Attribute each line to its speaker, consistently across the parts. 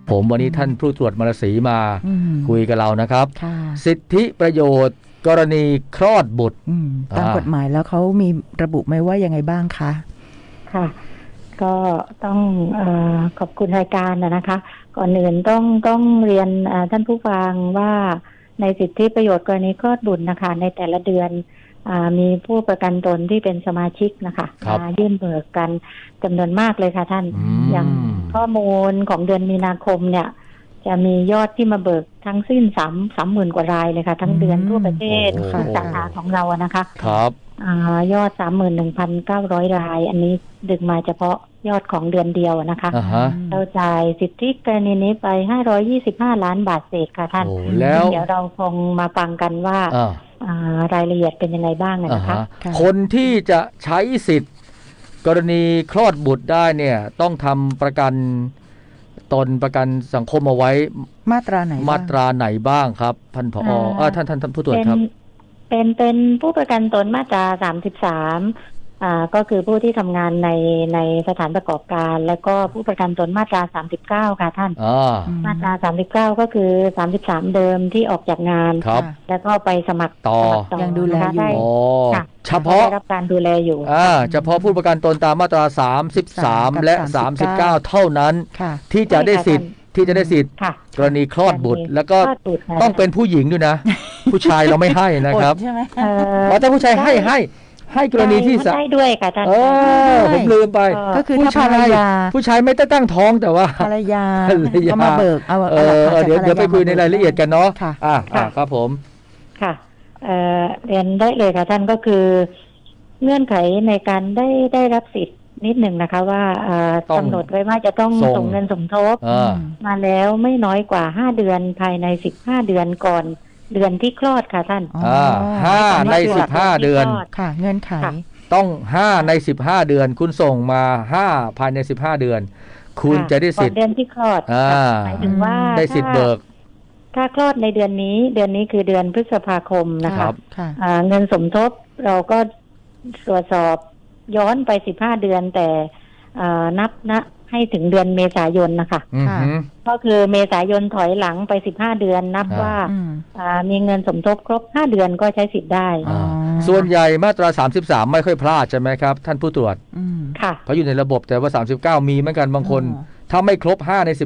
Speaker 1: ผมวันนี้ท่านผู้ตรวจมรสีมาคุยกับเรานะครับสิทธิประโยชน์กรณีคลอดบุตร
Speaker 2: ตามกฎหมายแล้วเขามีระบุไหมว่ายังไงบ้างคะ
Speaker 3: ค่ะก็ต้องขอบคุณรายการนะคะก่อนอื่นต้องเรียนท่านผู้ฟังว่าในสิทธิประโยชน์กรณีคลอดบุตรนะคะในแต่ละเดือนมีผู้ประกันตนที่เป็นสมาชิกนะคะมายื่นเบิกกันจำนวนมากเลยค่ะท่านอย่างข้อมูลของเดือนมีนาคมเนี่ยจะมียอดที่มาเบิกทั้งสิ้น30,000 กว่ารายเลยค่ะทั้งเดือนทั่วประเทศสาขาของเรานะคะ
Speaker 1: ครับ
Speaker 3: ยอด 31,900 รายอันนี้ดึงมาเฉพาะยอดของเดือนเดียวนะคะเราจ่ายสิทธิกรณีนี้ไป525 ล้านบาทเศษค่ะท่าน
Speaker 1: แล้ว
Speaker 3: เดี๋ยวเราคงมาฟังกันว่ารายละเอียดเป็นยังไงบ้างนะคะ
Speaker 1: คนที่จะใช้สิทธิ์กรณีคลอดบุตรได้เนี่ยต้องทำประกันตนประกันสังคมเอาไว้
Speaker 2: มาตราไหนบ้าง
Speaker 1: ครับท่านผอท่านผู้ตรวจครับ
Speaker 3: เป็นผู้ประกันตนมาตรา33ก็คือผู้ที่ทำงานในสถานประกอบการแล้วก็ผู้ประกันตนมาตรา39ค่ะท่านมาตรา39ก็คือ33เดิมที่ออกจากงานแล้วก็ไปสมัครต่อ
Speaker 2: ยังดูแลอยู่
Speaker 1: เฉพาะ
Speaker 3: ได้รับการดูแลอยู่
Speaker 1: เฉพาะผู้ประกันตนตามมาตรา33และ39เท่านั้นที่จะได้สิทธิ์กรณีคลอดบุตรแล้วก็ต้องเป็นผู้หญิงด้วยนะผู้ชายเราไม่ให้นะครับ
Speaker 2: ใช่ไหม
Speaker 1: แต่ผู้ชายให้กรณีที่
Speaker 3: ได้ด้วยค่ะท่าน
Speaker 1: ผมลืมไป
Speaker 2: ก็คือถ้า
Speaker 1: ผู้ชายไม่ตั้งท้องแต่ว่า
Speaker 2: ภรรยาก็มาเบิก
Speaker 1: เดี๋ยวไปคุยในรายละเอียดกันเนาะครับผม
Speaker 3: ค่ะเรียนได้เลยค่ะท่านก็คือเงื่อนไขในการได้รับสิทธิ์นิดหนึ่งนะคะว่ากำหนดไว้ว่าจะต้องส่งเงินสมทบมาแล้วไม่น้อยกว่า5เดือนภายใน15เดือนก่อนเดือนที่คลอดค่ะท่าน
Speaker 1: 5ใน15เดือน
Speaker 2: ค่ะเงื่อนไข
Speaker 1: ต้อง5ใน15เดือนคุณส่งมา5ภายใน15เดือนคุณจะได้สิทธิ์
Speaker 3: เดือนที่คลอดหมายถึงว่า
Speaker 1: ได้สิทธิ์เบิก
Speaker 3: ถ้าคลอดในเดือนนี้คือเดือนพฤษภาคมนะคะเงินสมทบเราก็ตรวจสอบย้อนไป15เดือนแต่นับให้ถึงเดือนเมษายนนะคะก็คือเมษายนถอยหลังไป15เดือนนับว่ามีเงินสมทบครบ5เดือนก็ใช้สิทธิ์ได้
Speaker 1: ส่วนใหญ่มาตรา33ไม่ค่อยพลาดใช่ไหมครับท่านผู้ตรวจ
Speaker 3: ค่ะ
Speaker 1: เพราะอยู่ในระบบแต่ว่า39มีเหมือนกันบางคนถ้าไม่ครบ5ใน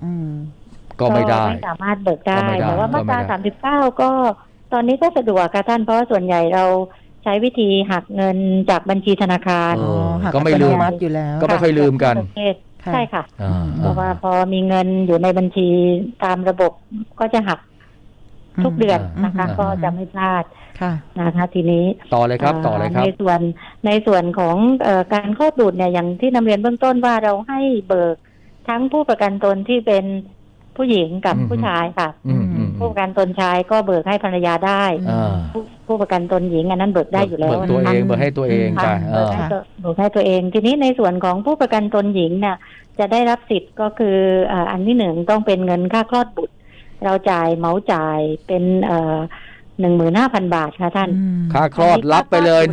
Speaker 1: 15ก็ไม่ได้
Speaker 3: ไม่สามารถเบิกได้แต่ว่ามาตรา39ก็ตอนนี้ก็สะดวกค่ะท่านเพราะส่วนใหญ่เราใช้วิธีหักเงินจากบัญชีธนาคาร
Speaker 1: ก็ไม่ลืม
Speaker 2: อยู่แล้ว
Speaker 1: ก็ไม่ค่อยลืมกัน
Speaker 3: ใช่ค่ะเพราะว่าพอมีเงินอยู่ในบัญชีตามระบบก็จะหักทุกเดือนนะคะก็จะไม่พลาดนะคะทีนี้
Speaker 1: ต่อเลยครับ
Speaker 3: ในส่วนของการคลอดบุตรเนี่ยอย่างที่นำเรียนเบื้องต้นว่าเราให้เบิกทั้งผู้ประกันตนที่เป็นผู้หญิงกับผู้ชายค่ะผู้ประกันตนชายก็เบิกให้ภรรยาได้ผู้ประกันตนหญิงอันนั้นเบิกได้อยู่แล้ว
Speaker 1: เบิกตัวเองเบิกให้ตัวเองไป
Speaker 3: เบิกให้ตัวเองทีนี้ในส่วนของผู้ประกันตนหญิงเนี่ยจะได้รับสิทธิ์ก็คืออันที่หนึ่งต้องเป็นเงินค่าคลอดบุตรเราจ่ายเหมาจ่ายเป็น15,000 บาทค่ะท่าน
Speaker 1: ค่าคลอดรับไปเลย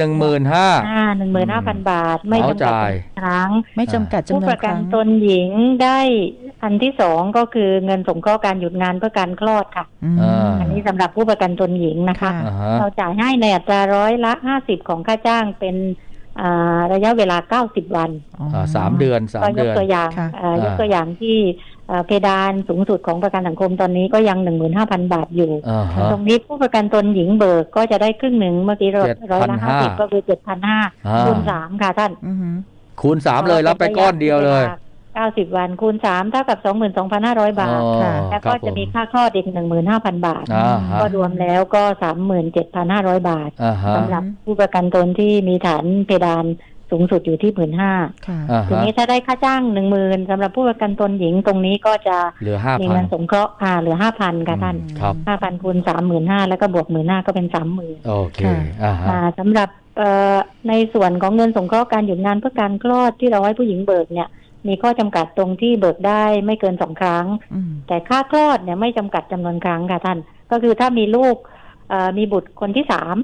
Speaker 3: 15,000 บาทไม่จำกัดครั้ง
Speaker 2: ไม่จำกัดจำนวนครั้ง
Speaker 3: ผู้ประกันตนหญิงได้อันที่สองก็คือเงินสงเคราะห์การหยุดงานเพื่อการคลอดค่ะอันนี้สำหรับผู้ประกันตนหญิงนะคะเราจ่ายให้ในอัตรา50%ของค่าจ้างเป็นระยะเวลา90วัน
Speaker 1: 3เดือน
Speaker 3: ยกตัวอย่างที่เพดานสูงสุดของประกันสังคมตอนนี้ก็ยัง 15,000 บาทอยู่ตรงนี้ผู้ประกันตนหญิงเบิกก็จะได้ครึ่งหนึ่งเมื่อกี้50%ก็คือ 7,500 คูณ3ค่ะท่าน
Speaker 1: คูณ3เลยรับไปก้อนเดียวเลย
Speaker 3: 90วันคูณ3เท่ากับ 22,500 บาทแล้วก็จะมีค่าคลอดอีก 15,000 บาทก็รวมแล้วก็ 37,500 บาทสำหรับผู้ประกันตนที่มีฐานเพดานสูงสุดอยู่ที่ 15,000 ทีนี้ถ้าได้ค่าจ้าง 10,000 สำหรับผู้ประกันตนหญิงตรงนี้ก็จะมีเงินสงเคราะห์เหลือ 5,000 ค่ะท่าน 5,000 คูณ 35,000 แล้วก็บวก 15,000 ก็เป็น 30,000
Speaker 1: โอเค
Speaker 3: สำหรับในส่วนของเงินสงเคราะห์การหยุดงานเพื่อการคลอดที่เราให้ผู้หญิงเบิกเนี่ยมีข้อจำกัดตรงที่เบิกได้ไม่เกิน2ครั้งแต่ค่าคลอดเนี่ยไม่จำกัดจำนวนครั้งค่ะท่านก็คือถ้ามีลูกมีบุตรคนที่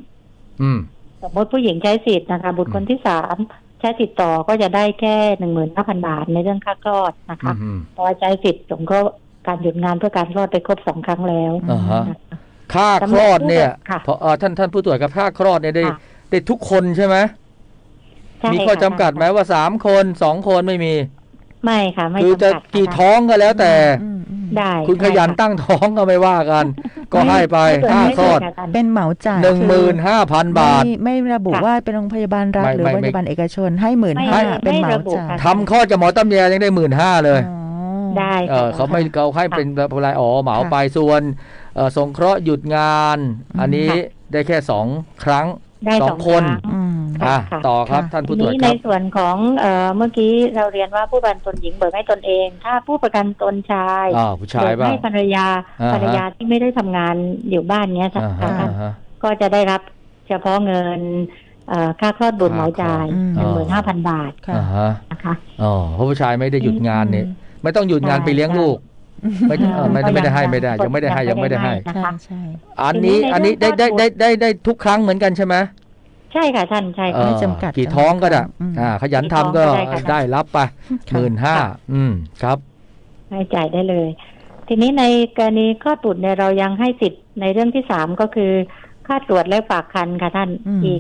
Speaker 3: 3สมมติผู้หญิงใช้สิทธิ์นะคะบุตรคนที่3ใช้สิทธิ์ต่อก็จะได้แค่ 15,000 บาทในเรื่องค่าคลอดนะคะพอใช้สิทธิ์สงเคราะห์การหยุดงานเพื่อการคลอดไปครบ2 ครั้งแล้ว
Speaker 1: ฮะ
Speaker 3: นะคะ
Speaker 1: ค่าคลอดเนี่ย
Speaker 3: ค่ะ
Speaker 1: พอท่านผู้ตรวจกับค่าคลอดเนี่ยได้
Speaker 3: ค่ะ
Speaker 1: ได้ทุกคนใช่ไหม
Speaker 3: ใช่
Speaker 1: มีข้อ
Speaker 3: ค่ะ
Speaker 1: จำกัดไหมว่า3 คน2 คนไม่มี
Speaker 3: ไม่ค่ะไม่
Speaker 1: คือจะ
Speaker 3: จำกัด
Speaker 1: กี่
Speaker 3: ค่ะ
Speaker 1: ท้องก็แล้วแต่
Speaker 3: ได้
Speaker 1: คุณขยัน
Speaker 3: ได้ะ
Speaker 1: ตั้งท้องก็ไม่ว่ากัน ก็ให้ไป
Speaker 3: ไม่
Speaker 1: ค่า
Speaker 3: เกิน
Speaker 1: คลอด
Speaker 3: ไม่เกินค่ะ
Speaker 2: เป็นเหมาจ่าย
Speaker 1: 15,000 บาท
Speaker 2: ไม่ระบุ
Speaker 3: ค่ะ
Speaker 2: ว่าเป็นโรงพยาบาลรัฐ
Speaker 1: ไม่
Speaker 2: หรือ
Speaker 1: ไม่
Speaker 2: โรงพยาบาลเอกชนให้
Speaker 3: ไม่
Speaker 2: 15,000เป็นเหมา
Speaker 3: ไม่ระบุ
Speaker 2: จ่าย
Speaker 3: ค่ะ
Speaker 1: ทำคลอดจากหมอตำแยยังได้ 15,000 เลย
Speaker 2: อ๋อ
Speaker 3: ได้ค่ะ
Speaker 1: เขาไม่เขาให้เป็นรายเหมา
Speaker 2: ค่ะ
Speaker 1: ไปส่วนสงเคราะห์หยุดงาน อันนี้
Speaker 3: ค่ะ
Speaker 1: ได้แค่2 ครั้ง
Speaker 3: ได้
Speaker 1: ส
Speaker 3: ส
Speaker 1: อ
Speaker 3: อง ง
Speaker 1: คน
Speaker 3: ครั้ง
Speaker 2: อืม
Speaker 1: อ่ะ
Speaker 3: ค่ะ
Speaker 1: ต่อครับ
Speaker 2: ค่ะ
Speaker 1: ท่าน
Speaker 3: ที
Speaker 1: ผู้ตรวจ
Speaker 3: นี้
Speaker 1: ค
Speaker 3: ใน
Speaker 1: รับ
Speaker 3: ส่วนของเมื่อกี้เราเรียนว่าผู้ประกันตนหญิงเบิกให้ตนเอง ถ้าผู้ประกันตนชาย
Speaker 1: ผู้ชาย
Speaker 3: เบิก
Speaker 1: บ้าง
Speaker 3: ให้ภรรยา
Speaker 1: อ่าฮะ
Speaker 3: ภรรยาที่ไม่ได้ทำงานอยู่บ้านเนี้ย
Speaker 1: อ่าฮะ
Speaker 3: ค่ะ
Speaker 1: อ่าฮะ
Speaker 3: ก็จะได้รับเฉพาะเงินค่าคลอดบุตรเหมาจ่าย
Speaker 2: อืม
Speaker 3: 15,000 บาท
Speaker 2: ค่ะ
Speaker 1: อ่าฮะ
Speaker 3: นะคะ
Speaker 1: เพราะผู้ชายไม่ได้หยุดงานเนี่ยไม่ต้องหยุดงานไปเลี้ยงลูก ไม่ไม่ได้ให้ไม่ได้ยังไม่ได้ให้ยังไม่ได้ให้
Speaker 2: ใช่ใช่
Speaker 1: อันนี้
Speaker 3: ทีนี้ใน
Speaker 1: ได้
Speaker 3: เรื่อง
Speaker 1: ได้ทุกครั้งเหมือนกันใช่ไหม
Speaker 3: ใช่ค่ะท่านใช่ค่ะ
Speaker 2: ไม่จำกัด
Speaker 1: กี่ท้องก็ได้
Speaker 2: อืม
Speaker 1: ขยันทำก็
Speaker 3: กี่ท้องก็ได้ค่ะ
Speaker 1: ได้รับไป
Speaker 2: ค่ะ
Speaker 1: 15,000ครับ
Speaker 3: ให้จ่ายได้เลย ทีนี้ในกรณีคลอดบุตรเนี่ยเรายังให้สิทธิ์ในเรื่องที่3ก็คือค่าตรวจและฝากครรภ์ค่ะท่าน
Speaker 2: อืม
Speaker 3: อีก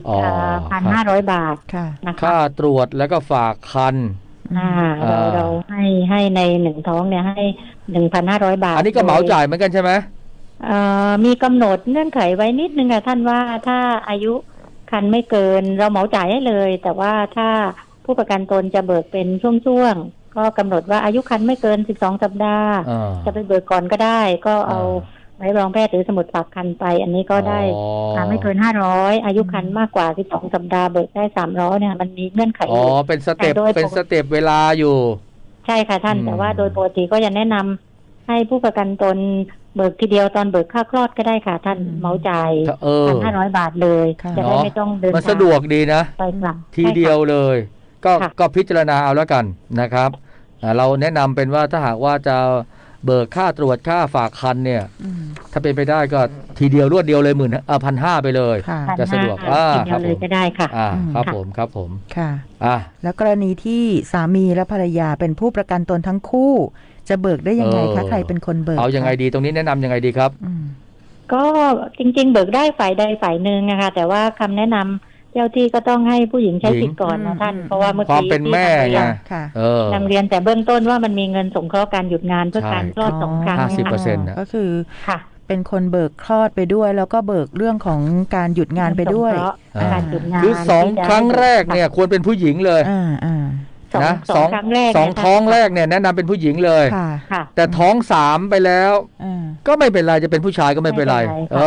Speaker 3: 1,500 บาท
Speaker 2: ค่ะ
Speaker 3: นะคะ
Speaker 1: ค่าตรวจแล้วก็ฝากคัน
Speaker 3: เราให้ใน1 ท้องเนี่ยให้ 1,500 บาท
Speaker 1: อันนี้ก็เหมาจ่ายเหมือนกันใช่ไหม
Speaker 3: มีกำหนดเงื่อนไขไว้นิดนึงค่ะท่านว่าถ้าอายุคันไม่เกินเราเหมาจ่ายให้เลย แต่ว่าถ้าผู้ประกันตนจะเบิกเป็นช่วงๆก็กำหนดว่าอายุคันไม่เกิน12 สัปดาห์ จะไปเบิกก่อนก็ได้ ก็เอาใบรับรองแพทย์หรือสมุดฝากคันไป อันนี้ก็ได้ไม่เกิน500อายุคันมากกว่า12 สัปดาห์เบิกได้300เนี่ยมันมีเงื่อนไขอยู่
Speaker 1: เป็นสเต็ป
Speaker 3: แต่โดย
Speaker 1: เป็นสเต็ปเวลาอยู่
Speaker 3: ใช่ค่ะท่าน
Speaker 1: อืม
Speaker 3: แต่ว่าโดยปกติก็จะแนะนำให้ผู้ประกันตนเบิกทีเดียวตอนเบิกค่าคลอดก็ได้ค่ะ ท่านเหมาจ่าย 1,500 บาทเลย
Speaker 2: ค่ะ
Speaker 3: จะได้ไม่ต้องเดิน
Speaker 1: มัน
Speaker 3: ทาง
Speaker 1: สะดวกดีนะ
Speaker 3: ไปกลับ
Speaker 1: ทีเดียวเลย
Speaker 3: ค่ะ
Speaker 1: ก็พิจารณาเอาแล้วกันนะครับเราแนะนำเป็นว่าถ้าหากว่าจะเบิกค่าตรวจค่าฝากคันเนี่ย
Speaker 2: อืม
Speaker 1: ถ้าเป็นไปได้ก็ทีเดียวรวดเดียวเลย1,500ไปเลย
Speaker 2: ค่ะ
Speaker 1: จะสะดวก
Speaker 3: 1,500ทีเดี
Speaker 1: ครั
Speaker 3: ยว
Speaker 1: บ
Speaker 3: เล
Speaker 1: ผ
Speaker 3: ย
Speaker 1: ม
Speaker 3: ก็ได้ค่ะ
Speaker 1: ครับผมครับผม
Speaker 2: ค่ะ
Speaker 1: อ่ะ
Speaker 2: แล้วกรณีที่สามีและภรรยาเป็นผู้ประกันตนทั้งคู่ จะเบิกได้ยังไงคะใครเป็นคนเบิก
Speaker 1: เอายังไง
Speaker 2: คะ
Speaker 1: ดีตรงนี้แนะนำยังไงดีครับ
Speaker 2: อืม
Speaker 3: ก็จริงๆ เบิกได้ฝ่ายใดฝ่ายหนึ่งนะคะแต่ว่าคำแนะนำเจ้าที่ก็ต้องให้ผู้หญิงใช้สิทธิ์ก่อนนะท่าน เพราะว่าเมื่อ
Speaker 1: ความ
Speaker 3: กี้
Speaker 1: เป็นแม่
Speaker 3: ที่
Speaker 1: ไง
Speaker 2: ค่ะ
Speaker 3: นำเรียนแต่เบื้องต้นว่ามันมีเงินสงเคราะห์การหยุดงานเพื่อ
Speaker 1: ใช่
Speaker 3: การคลอด2 ครั้ง
Speaker 1: 50%
Speaker 3: นะคะ
Speaker 1: นะ
Speaker 2: ก็คือ
Speaker 3: ค่ะ
Speaker 2: เป็นคนเบิกคลอดไปด้วย แล้วก็เบิกเรื่องของการหยุดงานไปด้วย
Speaker 3: สงเคราะห์การหยุดงาน
Speaker 1: คือ2 ครั้งแรกเนี่ยควรเป็นผู้หญิงเลย
Speaker 2: อ่า
Speaker 1: นะ
Speaker 3: สองครั้งแรก
Speaker 1: สอง
Speaker 3: เนี่ย
Speaker 1: ท้องแรกเนี่ยแนะนำเป็นผู้หญิงเลย
Speaker 2: ค่ะ
Speaker 3: ค่ะ
Speaker 1: แต่ท้อง3ไปแล้ว
Speaker 2: อ่า
Speaker 1: ก็ไม่เป็นไรจะเป็นผู้ชายก็ไม่เป็นไร
Speaker 3: ไม่เป็นไรค่ะ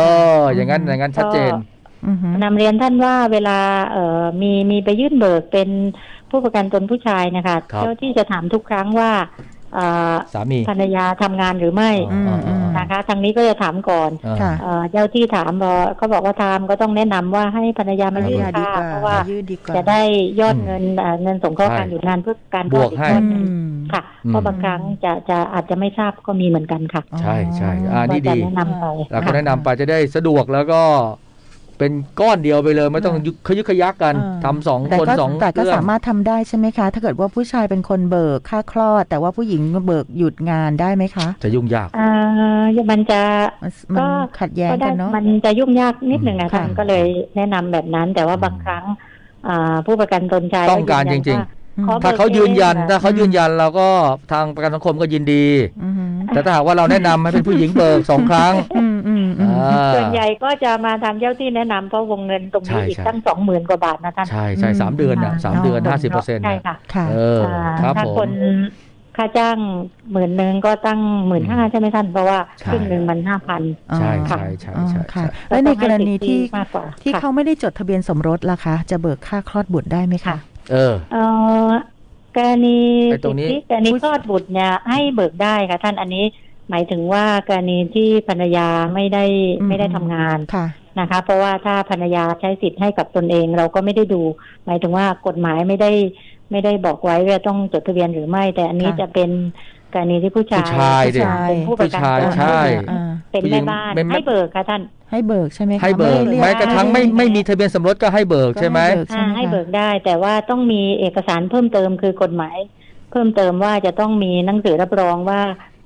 Speaker 1: อย่างนั้นชัดเจน
Speaker 2: อือหือน
Speaker 3: ำเรียนท่านว่าเวลามีไปยื่นเบิกเป็นผู้ประกันตนผู้ชายนะคะ
Speaker 1: ครับ
Speaker 3: เจ้าที่จะถามทุกครั้งว่า
Speaker 1: สามี
Speaker 3: ภรรยาทำงานหรือไม่ นะคะ ทางนี้ก็จะถามก่อน
Speaker 2: ค่ะ
Speaker 3: เจ้าที่ถามก็บอกว่าทำก็ต้องแนะนำว่าให้ภรรยามายื่น
Speaker 2: ดี
Speaker 3: ค่ะ
Speaker 2: กว่า
Speaker 3: เพราะว่า
Speaker 2: ยืดดีกว่า
Speaker 3: จะได้ยอดเงินเงินสงเคราะห์
Speaker 1: ใช่
Speaker 3: การหยุดงานเพื่อการ
Speaker 1: บวกให้
Speaker 3: คลอด
Speaker 2: อื
Speaker 3: อีก
Speaker 2: ม
Speaker 3: ค่ะ เพราะบางครั้งจะอาจจะไม่ทราบก็มีเหมือนกันค่ะ
Speaker 1: ใช่นี่
Speaker 3: ก็จะ
Speaker 1: ดี
Speaker 3: แนะนำไป
Speaker 1: เราก็แนะนำไปจะได้สะดวกแล้วก็เป็นก้อนเดียวไปเลย ไม่ต้องขยึกขยักกัน
Speaker 2: อ่า
Speaker 1: ทำ2
Speaker 2: แต่
Speaker 1: คน
Speaker 2: ก็
Speaker 1: 2
Speaker 2: แต่ก็
Speaker 1: เรื่อง
Speaker 2: สามารถทำได้ใช่ไหมคะ ถ้าเกิดว่าผู้ชายเป็นคนเบิกค่าคลอด แต่ว่าผู้หญิงเบิกหยุดงานได้ไหมคะ
Speaker 1: จะยุ่งยาก
Speaker 3: มันจะ
Speaker 2: มันขัดแย้งกันเนาะ
Speaker 3: มันจะยุ่งยากนิดหนึ่งนะ
Speaker 2: ค่ะ
Speaker 3: ท่านก็เลยแนะนำแบบนั้น แต่ว่าบางครั้งผู้ประกันตนชาย
Speaker 1: ต้องการจริง
Speaker 3: ขอ
Speaker 1: ถ้าเขายืนยัน
Speaker 3: เบิกเอง
Speaker 1: ถ้าเขายืนยันเราก็ทางประกันสังคมก็ยินดี
Speaker 2: อือหือ
Speaker 1: แต่ถ้าหากว่าเราแนะนำให้เป็นผู้หญิงเบิก2 ครั้ง
Speaker 3: ส่วนใหญ่ก็จะมาทางเจ้าที่แนะนำเพราะวงเงินตรงนี้
Speaker 1: ใช่
Speaker 3: อีก
Speaker 1: ใช่
Speaker 3: ตั้ง 20,000 กว่าบาทนะท่าน
Speaker 1: ใช่3 เดือนนะ3 เดือน 50%
Speaker 3: ใช่ค่ะ
Speaker 2: ค่ะ
Speaker 1: ครับ
Speaker 3: ถ้า
Speaker 1: ผม
Speaker 3: คนค่าจ้าง10,000ก็ตั้ง 15,000ใช่ไหมท่านเพราะว่า
Speaker 1: ใช่
Speaker 3: ครึ่งหนึ่งมัน 5,000
Speaker 1: ใช่
Speaker 2: ค่ะ
Speaker 1: ใช่
Speaker 2: อ๋อ
Speaker 1: ใช่
Speaker 2: ค่ะ
Speaker 1: ใช่
Speaker 2: แล้วในกรณีที่
Speaker 3: มากกว่า
Speaker 2: ที่
Speaker 3: ค่ะ
Speaker 2: เขาไม่ได้จดทะเบียนสมรสล่ะคะ จะเบิกค่าคลอดบุตรได้ไหมคะ
Speaker 3: กรณี
Speaker 1: ไอ้ตรงนี้
Speaker 3: กรณีคลอดบุตรเนี่ยให้เบิกได้ค่ะท่านอันนี้หมายถึงว่ากรณีที่ภรรยาไม่ได้ทำงาน
Speaker 2: ค่ะ
Speaker 3: นะคะ เพราะว่าถ้าภรรยาใช้สิทธิ์ให้กับตนเองเราก็ไม่ได้ดู หมายถึงว่ากฎหมายไม่ได้บอกไว้ว่าต้องจดทะเบียนหรือไม่ แต่อันนี้
Speaker 2: ค่ะ
Speaker 3: จะเป็นกรณีที่ผู้ชาย
Speaker 1: ผู้ชายดิ
Speaker 3: เป็นผู้ประกัน
Speaker 1: ผู้ชาย
Speaker 3: ตน
Speaker 1: ใช่
Speaker 3: เป็นแม่บ้าน
Speaker 1: เป็นแม่
Speaker 3: ให้เบิกค่ะท่าน
Speaker 2: ให้เบิกใช่ไหมคะ
Speaker 1: ให้เบิก
Speaker 2: รีย
Speaker 1: แม้กระทั่งไม่มีทะเบียนสมรสก็ให้เบิกใช่ไหม
Speaker 3: ให้เบิกได้แต่ว่าต้องมีเอกสารเพิ่มเติมคือกฎหมาย เพิ่มเติมว่าจะต้องมีหนังสือรับรองว่า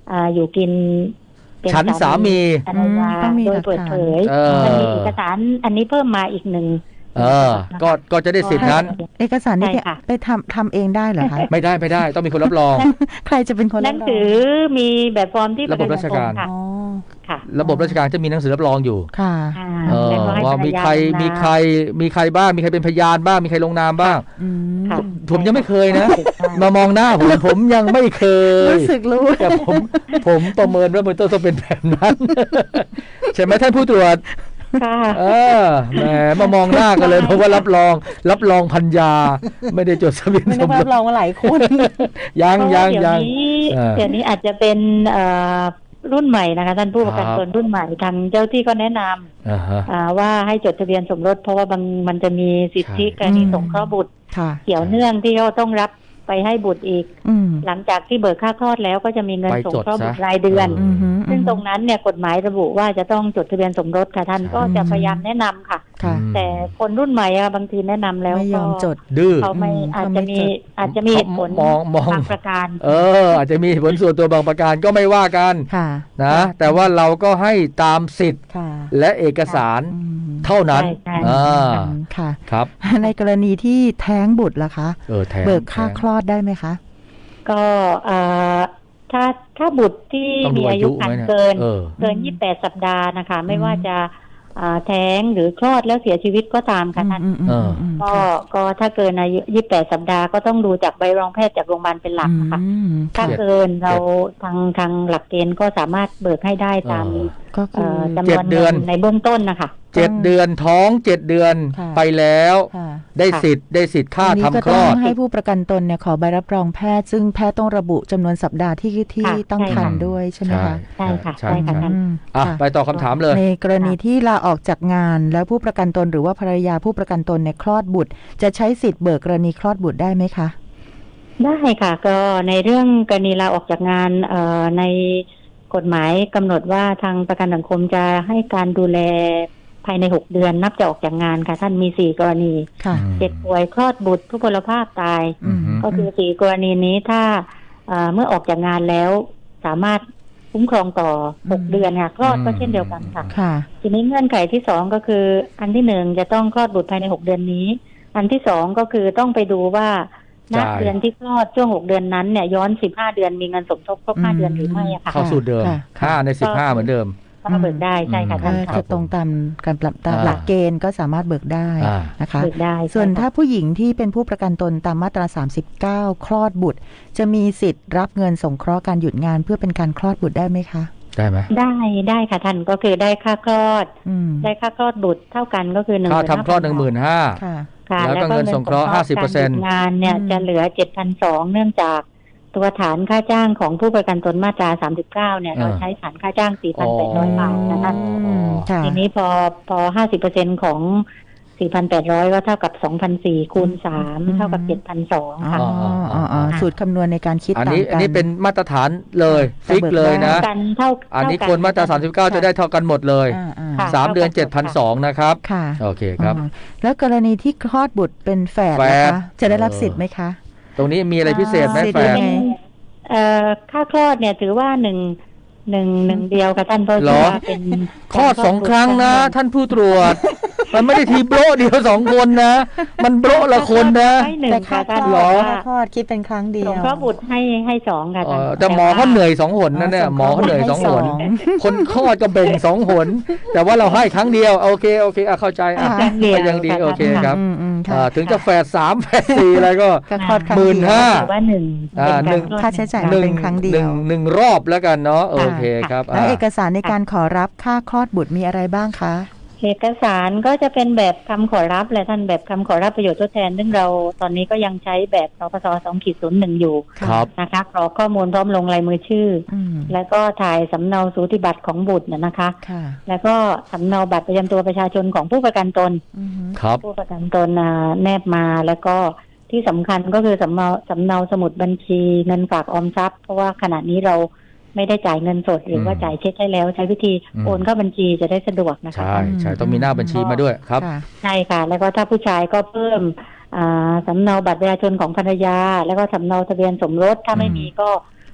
Speaker 3: อยู่กินเป็น
Speaker 1: ฉันสามี
Speaker 3: ภรรยา
Speaker 2: ต้องมี
Speaker 3: โด
Speaker 2: ห
Speaker 3: ย
Speaker 2: ลัก
Speaker 3: เปิด
Speaker 2: ฐาน
Speaker 3: เผย มันมีเอกสารอันนี้เพิ่มมาอีกหนึ่ง
Speaker 1: ก็จะได้สิทธินั้น
Speaker 2: เอกสารนี้
Speaker 3: ใช่ค่ะ
Speaker 2: ไปทำเองได้เหรอคะ
Speaker 1: ไม่ได้ต้องมีคนรับรอง
Speaker 2: ใครจะเป็นคน
Speaker 3: ห
Speaker 2: รั
Speaker 3: นั
Speaker 2: บ
Speaker 3: ง
Speaker 2: รอง
Speaker 3: สือมีแบบฟอร์มที่
Speaker 1: ระบบราชการ
Speaker 3: ค่ะ
Speaker 2: อ๋อ
Speaker 3: ค่ะ
Speaker 1: ระบบราชการจะมีหนังสือรับรองอยู่
Speaker 2: ค่ะ
Speaker 3: แล้วก็ให้
Speaker 1: ว่า
Speaker 3: ภรร
Speaker 1: มี
Speaker 3: ยา
Speaker 1: ใคร
Speaker 3: ลงนาม
Speaker 1: มีใครบ้างมีใครเป็นพยานบ้างมีใครลงนามบ้าง
Speaker 2: อืม
Speaker 3: ค่ะ
Speaker 1: ผมยังไม่เคยนะ มามองหน้าผมยังไม่เคย
Speaker 2: รู้สึกรู้
Speaker 1: แต่ผมประเมินว่ามันต้องเป็นแบบนั้น ใช่ไหมท่านผู้ตรวจ
Speaker 3: ค่ะ
Speaker 1: แหมมามองหน้ากันเลยเพราะว่ารับรองพัญญา ไม่ได้จดทะเบียน
Speaker 2: ไม่
Speaker 1: ส
Speaker 2: ได้
Speaker 1: มร
Speaker 2: รั
Speaker 1: ส
Speaker 2: บรองมาหลายคน
Speaker 1: ยัง
Speaker 3: เพราะว่าเดี๋ยวนี้อาจจะเป็นรุ่นใหม่นะคะท่านผู้ประกันตนรุ่นใหม่ทางเจ้าที่ก็แนะนำว่าให้จดทะเบียนสมรสเพราะว่ามันจะมีสิทธิกรณีสงเคราะห์บุตร
Speaker 2: ค่ะ
Speaker 3: เกี่ยวเนื่องที่เขาต้องรับไปให้บุตรอีก หลังจากที่เบิกค่าคลอดแล้วก็จะมีเงินสงเคราะห์บุตรรายเดือน ซึ่งตรงนั้นเนี่ยกฎหมายระบุว่าจะต้องจดทะเบียนสมรสค่ะท่านก็จะพยายามแนะนำค่ะ แต่คนรุ่นใหม่บางทีแนะนำแล้ว
Speaker 2: ไม่ยอมจด
Speaker 1: ดื้อ
Speaker 3: เขาไม่อาจจะมีเหตุผล
Speaker 1: มอง
Speaker 3: บางประการ
Speaker 1: อาจจะมีเหตุผลส่วนตัวบางประการก็ไม่ว่ากันนะแต่ว่าเราก็ให้ตามสิทธิ์และเอกสารเท่านั้น
Speaker 2: ค่ะ
Speaker 1: ครับ
Speaker 2: ในกรณีที่แท้งบุตรล่ะคะเบิกค่าคลอดได้ไหมคะ
Speaker 3: ก็ถ้าบุตรที่มีอายุครรภ์เกิน28 สัปดาห์นะคะไม่ว่าจะแท้งหรือคลอดแล้วเสียชีวิทก็ตามค่ะท่านก็ถ้าเกินอายุ28 สัปดาห์ก็ต้องดูจากใบรองแพทย์จากโรงพยาบาลเป็นหลักค่ะถ้าเกินเราทางหลักเกณฑ์ก็สามารถเบิกให้ได้ตามจำนวนเงินในเบื้องต้นนะคะ
Speaker 1: 7 เดือนท้อง7 เดือนไปแล้วได้สิทธิ์ค่าทำคลอด
Speaker 2: ให้ผู้ประกันตนเนี่ยขอใบรับรองแพทย์ซึ่งแพทย์ต้องระบุจำนวนสัปดาห์ที่ต้องครรภ์ด้วยใช่ไหมคะ
Speaker 3: ใช่ค่ะใช่ค่ะท่าน
Speaker 1: ไปต่อคำถามเลย
Speaker 2: ในกรณีที่ลาออกจากงานแล้วผู้ประกันตนหรือว่าภรรยาผู้ประกันตนเนี่ยคลอดบุตรจะใช้สิทธิ์เบิกกรณีคลอดบุตรได้ไหมคะ
Speaker 3: ได้ค่ะก็ในเรื่องกรณีลาออกจากงานในกฎหมายกำหนดว่าทางประกันสังคมจะให้การดูแลภายใน6 เดือนนับจากออกจากงานค่ะท่านมี4 กรณีเจ็บป่วยคลอดบุตรทุพพลภาพตายก็คือ4 กรณีนี้ถ้าเมื่อออกจากงานแล้วสามารถคุ้มครองต่อ6 เดือนค่ะคลอดก็เช่นเดียวกันค่ะทีนี้เงื่อนไขที่2ก็คืออันที่1จะต้องคลอดบุตรภายใน6 เดือนนี้อันที่2ก็คือต้องไปดูว่าณเดือนที่คลอดช่วง6 เดือนนั้นเนี่ยย้อน15 เดือนมีเงินสมทบครบ5 เดือนหรือไม่ค่ะ
Speaker 1: เข้าสูตรเดิม5 ใน 15เหมือนเดิม
Speaker 3: ก็เบิกได้ใช่ค่ะท่าน
Speaker 2: จะตรงตามการปรับตามหลักเกณฑ์ก็สามารถเบิกได้นะคะ
Speaker 3: เบิกได้
Speaker 2: ส่วนถ้าผู้หญิงที่เป็นผู้ประกันตนตามมาตรา39คลอดบุตรจะมีสิทธิ์รับเงินสงเคราะห์การหยุดงานเพื่อเป็นการคลอดบุตรได้ไหมคะ
Speaker 1: ได้ไหม
Speaker 3: ได้ค่ะท่านก็คือได้ค่าคลอดได้ค่าคลอดบุตรเท่ากันก็คือ
Speaker 1: ค่าทำคลอด 15,000
Speaker 3: ค่ะ
Speaker 1: แล้วก็เงินสงเคราะห์ 50%
Speaker 3: งานเนี่ยจะเหลือ 7,200 เนื่องจากตัวฐานค่าจ้างของผู้ประกันตนมาตรา39เนี่ยเราใช้ฐานค่าจ้าง 4,800 บาทนะคะทีนี้พอ 50% ของ 4,800 ก็เท่ากับ 2,400 คูณ 3 เท่ากับ 7,200 ค่ะ
Speaker 2: สูตรคำนวณในการคิดต่างกัน
Speaker 1: อันนี้เป็นมาตรฐานเลยฟิกเลยนะอันนี้คนมาตรา39จะได้เท่ากันหมดเลย3 เดือน 7,200 นะครับโอเคครับ
Speaker 2: แล้วกรณีที่คลอดบุตรเป็นแฝดนะคะจะได้รับสิทธิ์ไหมคะ
Speaker 1: ตรงนี้มีอะไรพิเศษไหมแฟน
Speaker 3: ค่าคลอดเนี่ยถือว่าหนึ่งเดียวค่ะท่านเพราะว่าเป็น
Speaker 1: คลอด2 ครั้งนะท่านผู้ตรวจมันไม่ได้ทีโบะเดียว2 คนนะมันโบะละคนนะ
Speaker 3: แต่ค่า
Speaker 2: คลอดคิดเป็นครั้งเดียว
Speaker 3: สงเคราะห์บุตรให้2ค่ะ
Speaker 1: แต่หมอเขาเหนื่อย2 หนนะเนี่ยหมอเขาเหนื่อย2 หนคนคลอดก็เบ่ง2 หนแต่ว่าเราให้ครั้งเดียวโอเคเข้าใจยังดีโอเคครับถึงจะแฝด3 แฝด4อะไรก็ 15,000
Speaker 3: ว่า1
Speaker 2: ค่าใช้จ่ายเป็นครั้งเดียว
Speaker 1: 1 รอบแล้วกันเนาะโอเคครับ
Speaker 2: แล้วเอกสารในการขอรับค่าคลอดบุตรมีอะไรบ้างคะ
Speaker 3: เอกสารก็จะเป็นแบบคำขอรับแหละท่านแบบคำขอรับประโยชน์ทดแทนซึ่งเราตอนนี้ก็ยังใช้แบบนปส. 2.01 อยู่นะคะกรอกข้อมูลพร้อมลงลายมือชื่อแล้วก็ถ่ายสำเนาสูติบัตรของบุตรนะคะแล้วก็สำเนาบัตรประจำตัวประชาชนของผู้ประกันตนผู้ประกันตนแนบมาแล้วก็ที่สำคัญก็คือสำเนาสมุดบัญชีเงินฝากออมทรัพย์เพราะว่าขณะนี้เราไม่ได้จ่ายเงินสดหรือว่าจ่ายเช็คให้แล้วใช้วิธีโอนเข้าบัญชีจะได้สะดวกนะคะ
Speaker 1: ใช่ต้องมีหน้าบัญชีมาด้วยครับ
Speaker 3: ใช่ค่ะแล้วก็ถ้าผู้ชายก็เพิ่มสำเนาบัตรประชาชนของภรรยาแล้วก็สำเนาทะเบียนสมรสถ้าไม่มีก็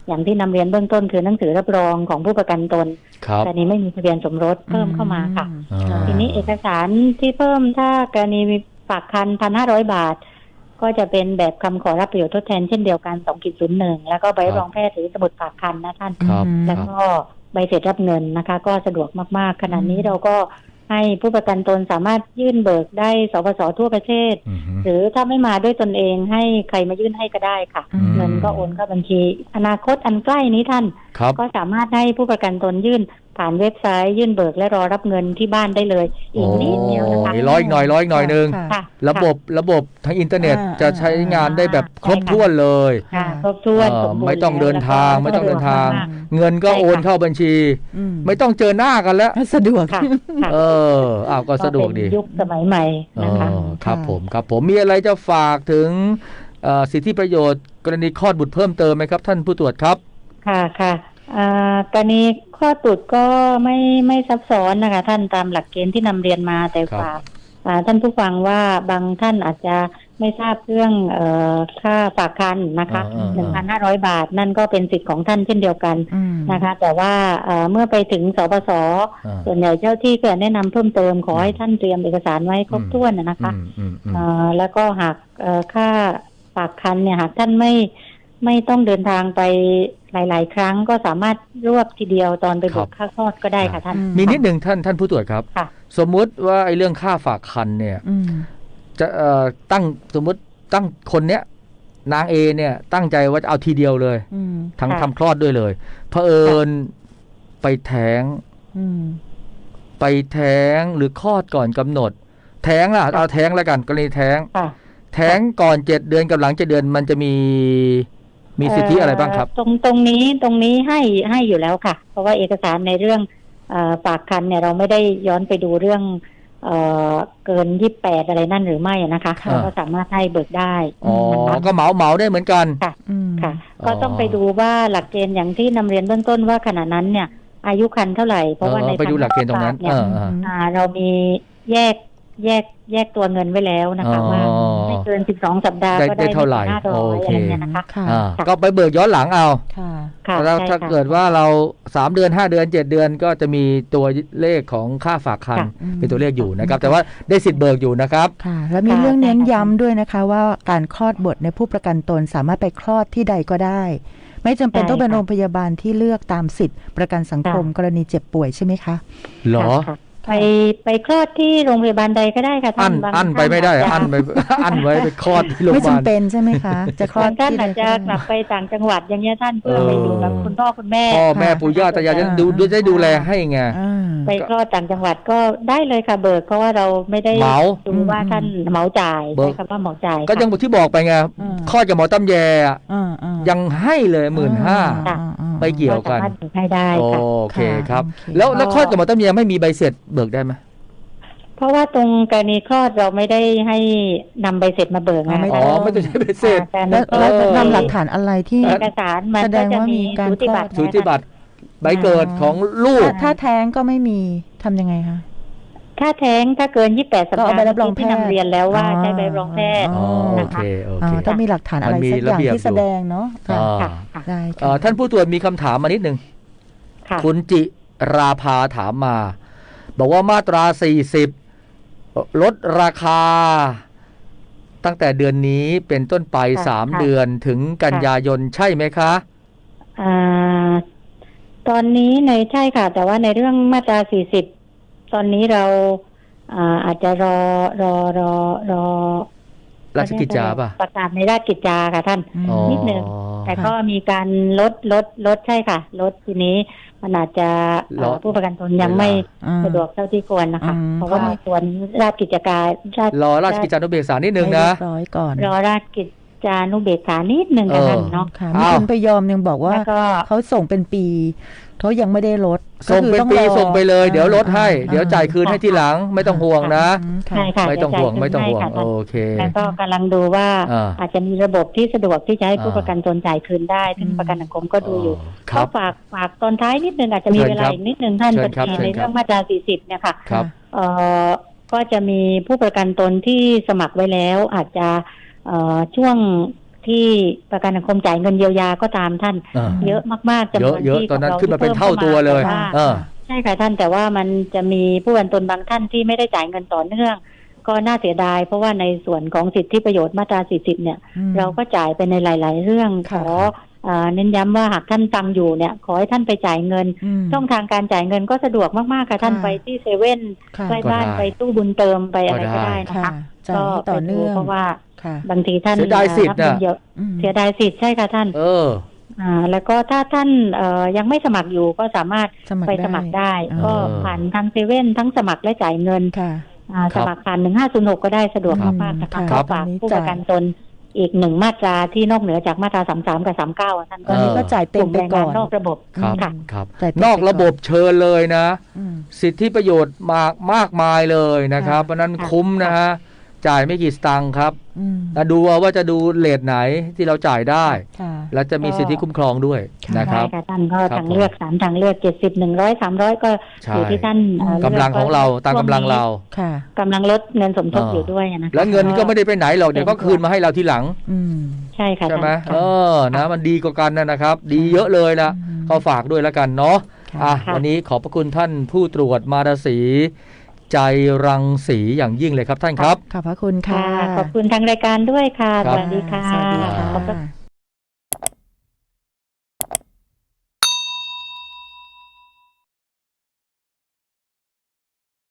Speaker 3: อย่างที่นำเรียนเบื้องต้นคือหนังสือรับรองของผู้ประกันตน แต่นี้ไม่มีทะเบียนสมรสเพิ่มเข้ามาค่ะทีนี้เอกสารที่เพิ่มถ้ากรณีฝากคัน 1,500 บาทก็จะเป็นแบบคำขอรับประโยชน์ทดแทนเช่นเดียวกัน 2.01 แล้วก็ใบรับรองแพทย์หรือสมุดฝากคันนะท่านแล้วก็ใบเสร็จรับเงินนะคะก็สะดวกมากๆขณะนี้เราก็ให้ผู้ประกันตนสามารถยื่นเบิกได้สปส.ทั่วประเทศหรือถ้าไม่มาด้วยตนเองให้ใครมายื่นให้ก็ได้ค่ะเงินก็โอนเข้าบัญชีอนาคตอันใกล้นี้ท่านก็สามารถให้ผู้ประกันตนยื่นผ่านเว็บไซต์ยื่นเบิกและรอรับเงินที่บ้านได้เลยอีกนิดเดียวนะคะ
Speaker 1: ร้อยอีกหน่อยนึงระบบทั้งอินเทอร์เน็ตจะใช้งานได้แบบครบถ้วนเลย
Speaker 3: ครบถ้วน
Speaker 1: ไม่ต้องเดินทางเงินก็โอนเข้าบัญชีไม่ต้องเจอหน้ากันแล้ว
Speaker 2: สะดวก
Speaker 1: ก็สะดวกดี
Speaker 3: ยุคสมัยใหม่นะคะ
Speaker 1: ครับผมมีอะไรจะฝากถึงสิทธิประโยชน์กรณีคลอดบุตรเพิ่มเติมไหมครับท่านผู้ตรวจครับ
Speaker 3: ค่ะกรณีคลอดบุตรก็ไม่ซับซ้อนนะคะท่านตามหลักเกณฑ์ที่นำเรียนมาแต่ฝากท่านผู้ฟังว่าบางท่านอาจจะไม่ทราบเรื่องค่าฝากคันนะคะ 1,500 บาทนั่นก็เป็นสิทธิ์ของท่านเช่นเดียวกันนะคะแต่ว่าเมื่อไปถึงสปส.ส่วนใหญ่เจ้าที่ก็แนะนำเพิ่มเติมขอให้ท่านเตรียมเอกสารไว้ครบถ้วนนะคะแล้วก็หากค่าฝากคันเนี่ยหากท่านไม่ต้องเดินทางไปหลายๆครั้งก็สามารถรวบทีเดียวตอนไปเบิกค่าคลอดก็ได้ค่ะท่าน
Speaker 1: มีนิดหนึ่งท่านผู้ตรวจครับสมมุติว่าไอ้เรื่องค่าฝากคันเนี่ยจะสมมุติตั้งคนเนี้ยนางเอเนี่ยตั้งใจว่าจะเอาทีเดียวเลยทั้งทำคลอดด้วยเลยเผอิญไปแท้งหรือคลอดก่อนกำหนดแท้งล่ะเอาแท้งแล้วกันกรณีแท้งก่อน7 เดือนกับหลัง7 เดือนมันจะมีสิทธิอะไรบ้างครับ
Speaker 3: ตรงนี้ให้อยู่แล้วค่ะเพราะว่าเอกสารในเรื่องฝากคันเนี่ยเราไม่ได้ย้อนไปดูเรื่องเกิน28อะไรนั่นหรือไม่นะคะเราก็สามารถให้เบิกได้
Speaker 1: ก็เหมาได้เหมือนกัน
Speaker 3: ค่ะก็ต้องไปดูว่าหลักเกณฑ์อย่างที่นำเรียนเบื้องต้นว่าขณะนั้นเนี่ยอายุครรภ์เท่าไหร่เพราะว่าใน
Speaker 1: ไปดูหลักเกณฑ์ตรงนั้น
Speaker 3: เรามีแยกตัวเงินไว้แล้วนะคะว่าไม่เกิน12 สัปดาห์ก็ได้
Speaker 1: เท่าไหร่
Speaker 3: อะไรเงี้ยนะคะ
Speaker 1: ก็ไปเบิกย้อนหลังเอาแล้วถ้าเกิดว่าเรา3 เดือน5 เดือน7 เดือนก็จะมีตัวเลขของค่าฝากคันเป็นตัวเลขอยู่นะครับแต่ว่าได้สิทธิ์เบิกอยู่นะครับ
Speaker 2: แล้วมีเรื่องเน้นย้ำด้วยนะคะว่าการคลอดบุตรในผู้ประกันตนสามารถไปคลอดที่ใดก็ได้ไม่จำเป็นต้องเป็นโรงพยาบาลที่เลือกตามสิทธิประกันสังคมกรณีเจ็บป่วยใช่ไหมคะ
Speaker 1: หรอ
Speaker 3: ไปคลอดที่โรงพยาบาลใดก็ได้ค่ะท่าน
Speaker 1: อันไปไม่ได้อันไว้ไปคลอดที่โรงพยาบาล
Speaker 2: ไม่จำเป็นใช่ไหมคะ
Speaker 3: จะคลอดท่านอาจจะกลับไปต่างจังหวัดอย่างเงี้ยท่านเพื่อไปอยู่กับคุณพ่อคุณแม่
Speaker 1: ปู่ย่าตายายจะดูแลให้ไง
Speaker 3: ไปคลอดต่างจังหวัดก็ได้เลยค่ะเบิกเพราะว่าเราไม่ได้ดูว่าท่านเหมาจ่ายใช่คำว่าเหมาจ่าย
Speaker 1: ก็ยังที่บอกไปไงคลอดกับหมอตำแยยังให้เลย15,000ไปเกี่ยวกัน
Speaker 3: ให้ได้
Speaker 1: โอเคครับแล้วคลอดกับหมอตำแยไม่มีใบเสร็จเบิกได้ไหม
Speaker 3: เพราะว่าตรงกรณีคลอดเราไม่ได้ให้นำใบเสร็จมาเบิกนะ
Speaker 1: ไม่ต้องใช้ใบเสร็จ
Speaker 2: แล้วนำหลักฐานอะไรที่
Speaker 3: เอกสารมันก็จะมีสูติ
Speaker 1: บัตรใบเกิดของลูก
Speaker 2: ถ้าแท้งก็ไม่มีทำยังไงคะ
Speaker 3: ถ้าแท้งถ้าเกิน28 สัปดาห์ที่นำเรียนแล้วว่าใช้ใบรับรองแพทย์
Speaker 1: นะคะ
Speaker 2: ต้องมีหลักฐานอะไรสักอย่างที่แสดงเนาะ
Speaker 1: ได้ท่านผู้ตรวจมีคำถามมานิดนึงคุณจิราภาถามมาบอกว่ามาตรา40ลดราคาตั้งแต่เดือนนี้เป็นต้นไป3 เดือนถึงกันยายนใช่ไหมคะ
Speaker 3: ตอนนี้ใช่ค่ะแต่ว่าในเรื่องมาตรา40ตอนนี้เราอาจจะรอ
Speaker 1: ราชกิจจาป่ะ
Speaker 3: ประกาศในราชกิจจาค่ะท่านนิดนึงแต่ก็มีการลดใช่ค่ะลดทีนี้มันอาจจะผู้ประกันตนยังไม่สะดวกเท่าที่ควรนะคะเพราะว่าในส่วนราชกิจการ
Speaker 1: รอราชกิจจานุเบกษานิดนึงนะ
Speaker 3: รอราชกิจจานุเบกษานิดนึงกันเนาะ
Speaker 2: มีคนไปยอมยังบอกว่าเขาส่งเป็นปีเขายังไม่ได้ลด
Speaker 1: ส่งเป็นปีส่งไปเลยเดี๋ยวลดให้เดี๋ยวจ่ายคืนให้ทีหลังไม่ต้องห่วงนะไม่ต้องห่วงโอเค
Speaker 3: แล้วก็กำลังดูว่าอาจจะมีระบบที่สะดวกที่จะให้ผู้ประกันตนจ่ายคืนได้ซึ่งประกันสังคมก็ดูอยู่เขาฝากตอนท้ายนิดนึงอาจจะมีเวลาอีกนิดนึงท่านปฏิในเรื่องมาตรา40เนี่ยค่ะก็จะมีผู้ประกันตนที่สมัครไว้แล้วอาจจะช่วงที่ประกันสังคมจ่ายเงินเยียวยาก็ตามท่านเยอะมากๆจำนวน
Speaker 1: เยอะตอนนั้นขึ้นมาเป็นเท่าตัวเลย
Speaker 3: ใช่ค่ะท่านแต่ว่ามันจะมีผู้ประกันตนบางท่านที่ไม่ได้จ่ายเงินต่อเนื่องก็น่าเสียดายเพราะว่าในส่วนของสิทธิประโยชน์มาตรา40เนี่ยเราก็จ่ายไปในหลายๆเรื่องขอเน้นย้ำว่าหากท่านฟังอยู่เนี่ยขอให้ท่านไปจ่ายเงินช่องทางการจ่ายเงินก็สะดวกมากๆค่ะท่านไปที่เซเว่นใกล้บ้านไปตู้บุญเติมไปอะไรก็ได้นะคะก็ต่อเนื่องเพราะว่าบางทีท่าน
Speaker 1: เสียดายสิทธิ์
Speaker 3: เยอะเสียดายสิทธิ์ใช่ค่ะท่านแล้วก็ถ้าท่านยังไม่สมัครอยู่ก็สามารถไปสมัครได้ก็ผ่านทางเซเว่นทั้งสมัครและจ่ายเงินสมัครผ่าน1506ก็ได้สะดวกมากๆนะคะขอฝากผู้ประกันตนอีก1มาตราที่นอกเหนือจากมาตรา33กับ39ท่าน
Speaker 2: ก็จ่ายเต็มไปก่อน
Speaker 3: นอกระบบ
Speaker 1: ครับนอกระบบเชิญเลยนะสิทธิประโยชน์มากมายเลยนะครับเพราะนั้นคุ้มนะฮะจ่ายไม่กี่สตางค์ครับดูว่าจะดูเรทไหนที่เราจ่ายได้แล้วจะมีสิทธิคุ้มครองด้วยนะครับ
Speaker 3: ใช่ค่ะท่านก็ทางเลือก3ทางเลือก70 100 300ก็อยู่ที่ท่าน
Speaker 1: กำลังของเราตามกำลังเรา
Speaker 3: กำลังลดเงินสมทบอยู่ด้วยนะ
Speaker 1: แล้วเงินก็ไม่ได้ไปไหนหรอกเดี๋ยวก็คืนมาให้เราทีหลัง
Speaker 3: ใช่ค่ะ
Speaker 1: ใช่ไหมนะมันดีกว่ากันนะครับดีเยอะเลยนะก็ฝากด้วยแล้วกันเนาะวันนี้ขอบพระคุณท่านผู้ตรวจมาราศีใจรังสีอย่างยิ่งเลยครับท่านครับ
Speaker 2: ขอบพระคุณค่ะ
Speaker 3: ขอบคุณทางรายการด้วยค่ะสวัสดีค่ะ
Speaker 2: สวัสดีค่ะ